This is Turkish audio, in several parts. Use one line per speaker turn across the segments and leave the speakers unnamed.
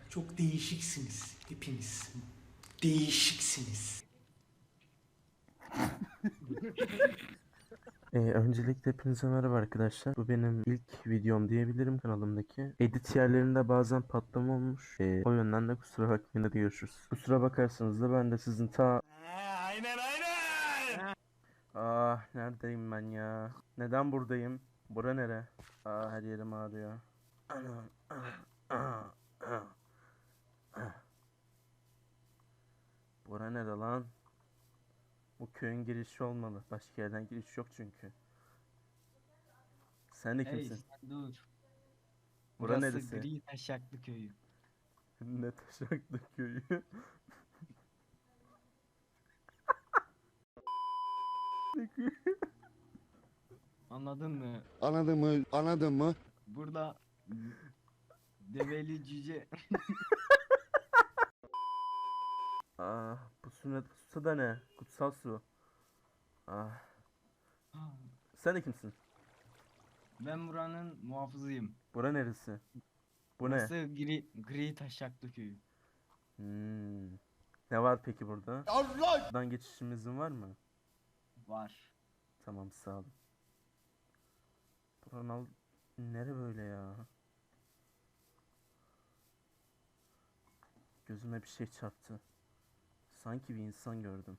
Çok değişiksiniz hepiniz. Değişiksiniz.
Öncelikle hepinize merhaba arkadaşlar. Bu benim ilk videom diyebilirim kanalımdaki. Edit yerlerinde bazen patlama olmuş. O yönden de kusura bakmayın, hadi görüşürüz. Kusura bakarsanız da ben de sizin
Aynen.
Neredeyim ben ya? Neden buradayım? Bura nere? Her yerim ağrıyor. Bura nere lan? Bu köyün girişi olmalı. Başka yerden giriş yok çünkü. Sen de
Hey
kimsin?
sen dur.
Bura
Burası
neresi?
Gri Taşaklı köyü.
Ne taşaklı köyü.
Anladın mı?
Anladın mı?
Burada develi cüce.
Bu su da ne? Kutsal su. Sen de kimsin?
Ben buranın muhafızıyım.
Bura neresi? Bu
Burası
ne?
Gri Taşaklı köyü.
Ne var peki burada?
Allah!
Buradan geçişimizin var mı?
Var.
Tamam, sağ olun. Buranın nere böyle ya? Gözüme bir şey çarptı. Sanki bir insan gördüm.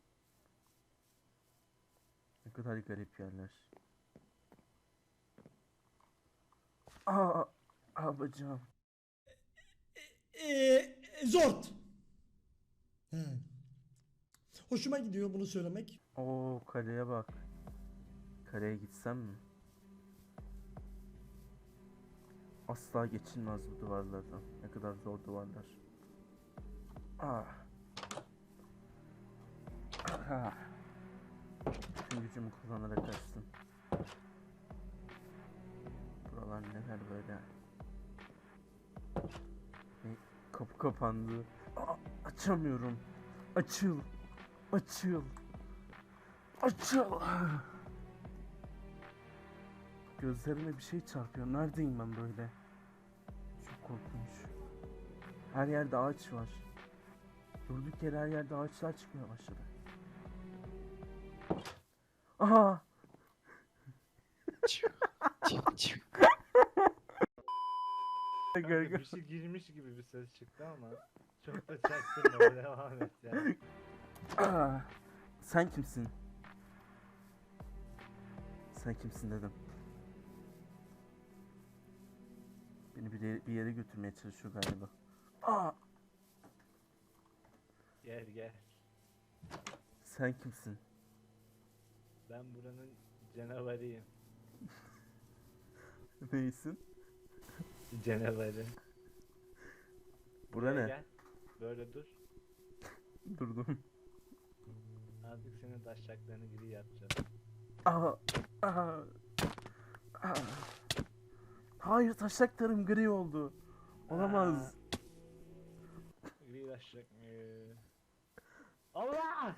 Ne kadar garip yerler. Bacağım.
Zort. He. Hoşuma gidiyor bunu söylemek.
Kaleye bak. Kaleye gitsem mi? Asla geçilmez bu duvarlardan. Ne kadar zor duvarlar. Bütün gücümü kullanarak kaçtım. Buralar neler böyle? Kapı kapandı. Açamıyorum. Açıl. Açıl. Açıl. Gözlerime bir şey çarpıyor. Neredeyim ben böyle? Çok korkunç. Her yerde ağaç var. Durduk yere her yerde ağaçlar çıkmaya başladı. Aha!
Bir şey girmiş gibi bir ses çıktı ama çok da çaktırma, devam et yani.
Sen kimsin? Sen kimsin dedim. Beni bir yere götürmeye çalışıyor galiba.
Gel.
Sen kimsin?
Ben buranın canavarıyım.
Neysin?
Canavarı.
Bura ne?
Gel. Böyle dur.
Durdum.
Artık senin taşacaklarını gri yapacağım.
Hayır, taşaklarım gri oldu. Olamaz.
Gri taşacak. Allah!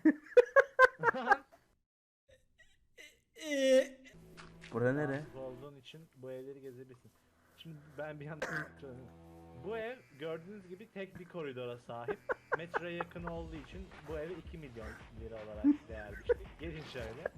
Bura nere?
Rahatsız olduğun için bu evleri gezebilirsin. Şimdi ben bir yandan bu ev gördüğünüz gibi tek bir koridora sahip. Metroya yakın olduğu için bu eve 2 milyon lira olarak değer biçtik. Gelin şöyle.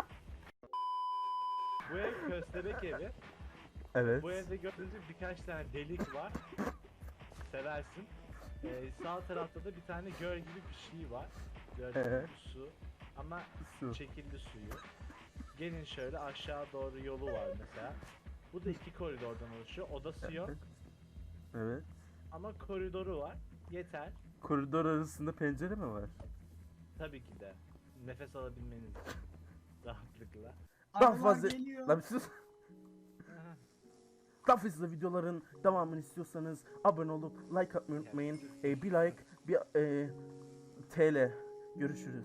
Bu ev köstebek evi.
Evet.
Bu evde gördüğünüz gibi birkaç tane delik var. Seversin. Sağ tarafta da bir tane göl gibi bir şey var. Gördüğünüz gibi su. Ama
Su.
çekildi suyu. Gelin şöyle, aşağı doğru yolu var mesela. Bu da 2 koridordan oluşuyor. Odası yok
Evet.
ama koridoru var. Yeter.
Koridor arasında pencere mi var?
Tabii ki de. Nefes alabilmeniz için. Rahatlıkla.
Daha
Arılar
fazla...
geliyor.
Lan bir sus. Daha fazla videoların devamını istiyorsanız abone olup like atmayı unutmayın. Bir like, bir TL. Görüşürüz.